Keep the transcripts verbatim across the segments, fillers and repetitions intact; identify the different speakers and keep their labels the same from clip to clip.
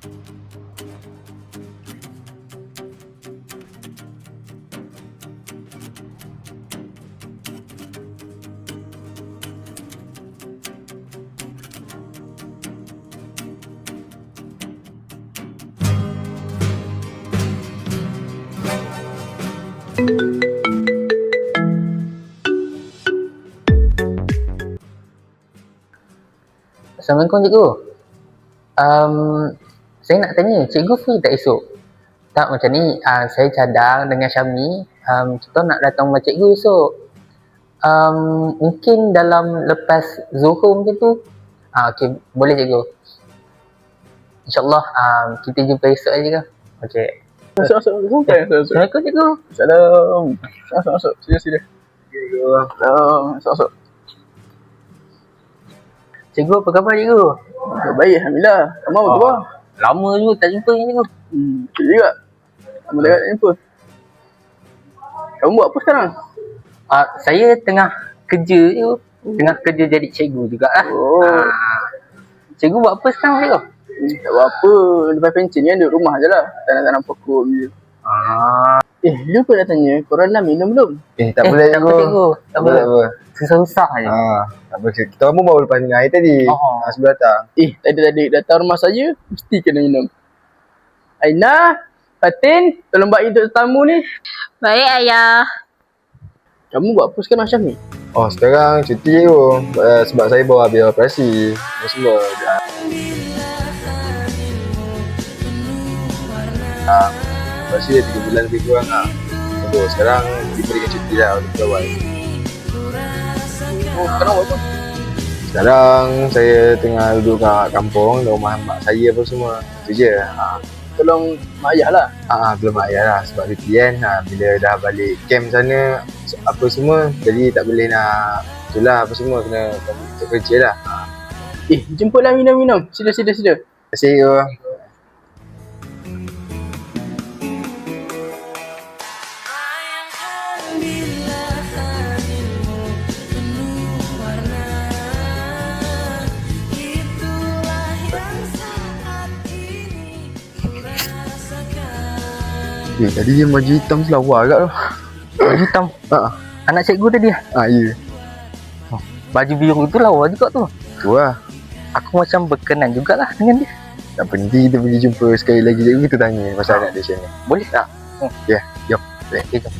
Speaker 1: Assalamualaikum cikgu. Um, saya nak tanya, cikgu free tak esok? Tak, macam ni, uh, saya cadang dengan Syami, um, kita nak datang rumah cikgu esok. Um, mungkin dalam lepas Zuhur macam tu. Ah, okay, boleh cikgu. InsyaAllah um, kita jumpa esok aja kan? Okay.
Speaker 2: Masuk, masuk, masuk.
Speaker 1: Assalamualaikum cikgu.
Speaker 2: Salam. Masuk, masuk. Sila, sila. Cikgu. Salam. Masuk, masuk.
Speaker 1: Cikgu, apa khabar cikgu?
Speaker 2: Baik, Alhamdulillah. Kamu apa khabar?
Speaker 1: Lama juga tak jumpa ni cikgu.
Speaker 2: Hmm, betul juga. Lama tak nak jumpa. Kamu buat apa sekarang?
Speaker 1: Uh, saya tengah kerja je. Tengah kerja jadi cikgu jugalah.
Speaker 2: Oh.
Speaker 1: Uh, cikgu buat apa sekarang cikgu?
Speaker 2: Hmm, tak buat apa. Lepas pencen ni duduk rumah je lah. Tanam-tanam pokok je.
Speaker 1: Ah.
Speaker 2: Eh, lupa nak tanya. Korang dah minum belum?
Speaker 3: Eh, tak
Speaker 1: Eh,
Speaker 3: boleh
Speaker 1: tak apa cikgu. Tak apa.
Speaker 3: Tak apa.
Speaker 1: Susah-susah je.
Speaker 3: Ha, tak apa. Kita orang pun baru lepas minum air tadi.
Speaker 1: Oh.
Speaker 3: Ha, sebelum datang.
Speaker 2: Eh, tadi-tadi datang rumah saya, mesti kena minum. Aina, Fatin, tolong bagi untuk tetamu ni.
Speaker 4: Baik, ayah.
Speaker 2: Kamu buat apa sekarang, Syami?
Speaker 3: Oh, sekarang cuti je tu. Uh, sebab saya baru habis operasi. Apa semua. Ha, operasi dah tiga bulan lebih kurang lah. So, sekarang diberikan cuti lah untuk pegawai.
Speaker 2: Oh, sekarang buat apa?
Speaker 3: Sekarang saya tengah duduk kat kampung, di rumah mak saya apa semua. Itu je. Ha.
Speaker 2: Tolong mak ayah lah.
Speaker 3: Ah, belum ayah lah sebab cuti kan. Ha, bila dah balik camp sana apa semua, jadi tak boleh nak itulah apa semua kena untuk kerja lah. Ha.
Speaker 2: Eh, jemputlah minum-minum. Sila, sila, sila.
Speaker 3: Terima kasih you. Eh, tadi yang baju hitam tu lawa agak tu.
Speaker 1: Baju hitam.
Speaker 3: Ha.
Speaker 1: Anak cikgu tadi lah.
Speaker 3: Ah, ya.
Speaker 1: Baju biru tu lawa juga tu.
Speaker 3: Tu lah.
Speaker 1: Aku macam berkenan jugalah dengan dia.
Speaker 3: Tak penting kita pergi jumpa sekali lagi cikgu, kita tanya pasal anak dia macam ni.
Speaker 1: Boleh tak?
Speaker 3: Ya, yeah, jom.
Speaker 1: Okay, jom.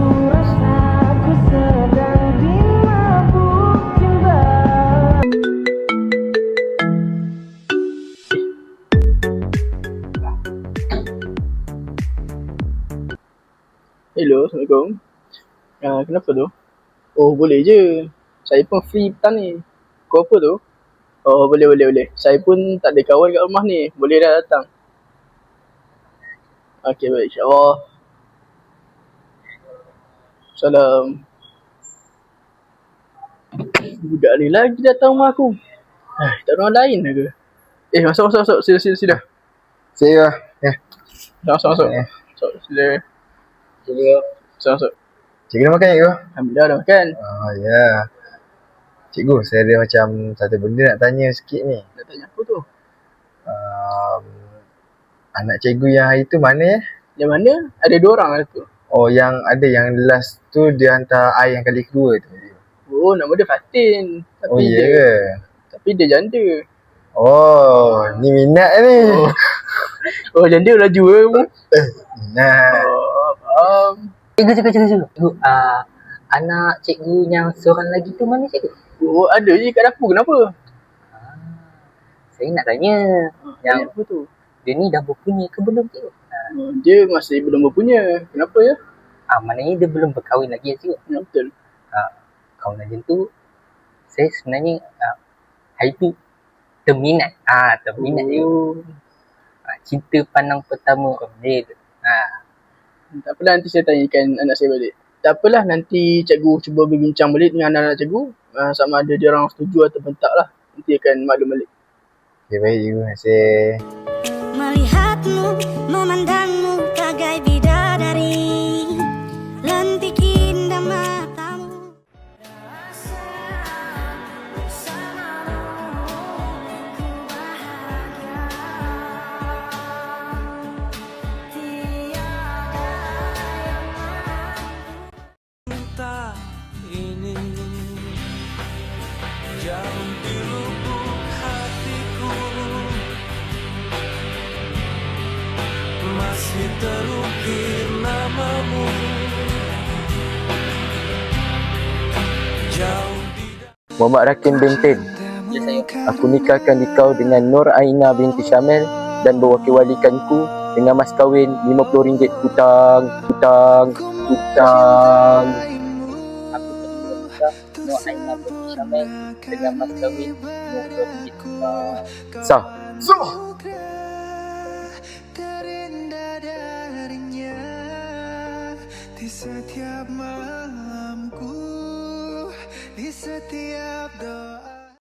Speaker 2: Hello, Assalamualaikum. Uh, kenapa tu? Oh, boleh je. Saya pun free petang ni. Kau apa tu? Oh, boleh, boleh, boleh. Saya pun tak ada kawan kat rumah ni. Boleh dah datang. Okey, baik. InsyaAllah. Salam. Budak ni lagi datang rumah aku. Eh, tak ada orang lain ke? Eh, masuk, masuk, masuk. Sila, sila, sila.
Speaker 3: See you. Ya.
Speaker 2: Masuk, masuk, masuk.
Speaker 3: Eh.
Speaker 2: Masuk, sila.
Speaker 1: Cikgu.
Speaker 2: Masuk, masuk.
Speaker 3: Cikgu dah makan cikgu?
Speaker 2: Alhamdulillah dah makan.
Speaker 3: Oh, ya. Yeah. Cikgu, saya ada macam satu benda nak tanya sikit ni.
Speaker 2: Nak tanya apa tu?
Speaker 3: Um, anak cikgu yang hari tu mana ya?
Speaker 2: Yang mana? Ada dua orang lah tu.
Speaker 3: Oh, yang ada yang last tu dia hantar I yang kali kedua tu.
Speaker 2: Oh, nama dia Fatin. Tapi
Speaker 3: Oh, ya
Speaker 2: dia,
Speaker 3: ke?
Speaker 2: Tapi dia janda.
Speaker 3: Oh, ni minat ni.
Speaker 2: Oh, oh janda laju ke kamu?
Speaker 3: Minat.
Speaker 2: Oh, faham.
Speaker 1: Cikgu, cikgu, cikgu, cikgu. Cikgu, uh, anak cikgu yang seorang lagi tu mana cikgu?
Speaker 2: Oh, ada je kat dapur. Kenapa?
Speaker 1: Ah, saya nak tanya.
Speaker 2: Yang
Speaker 1: Yang
Speaker 2: apa tu?
Speaker 1: dia ni dah berpunya ke belum cikgu?
Speaker 2: Oh, dia masih belum berpunya. Kenapa ya?
Speaker 1: Ah, maknanya dia belum berkahwin lagi ya cikgu?
Speaker 2: Ya, betul.
Speaker 1: Ah, kalau macam tu, saya sebenarnya ah, hari tu terminat. Ah, terminat cikgu.
Speaker 2: Oh,
Speaker 1: Ah, cinta pandang pertama oh, dia tu. Ah,
Speaker 2: tak apalah, nanti saya tanyakan anak saya balik. Tak apalah, nanti cikgu cuba berbincang balik dengan anak-anak cikgu. Uh, sama ada dia orang setuju ataupun tak lah. Nanti akan maklum balik.
Speaker 3: Okay, baik cikgu. Terima kasih.
Speaker 4: Melihatmu, memandangmu bagai bidadari, lentik indah matamu.
Speaker 5: Muhammad Rakim Benten.
Speaker 1: Ya saya.
Speaker 5: Aku nikahkan dikau dengan Nur Aina binti Syamil dan berwakil-walikanku dengan mas kahwin lima puluh ringgit hutang, hutang, hutang.
Speaker 1: Aku terima nikah Nur Aina binti Syamil dengan mas kahwin lima puluh ringgit.
Speaker 5: Sah.
Speaker 6: Terindah darinya di setiap malamku, di setiap doa.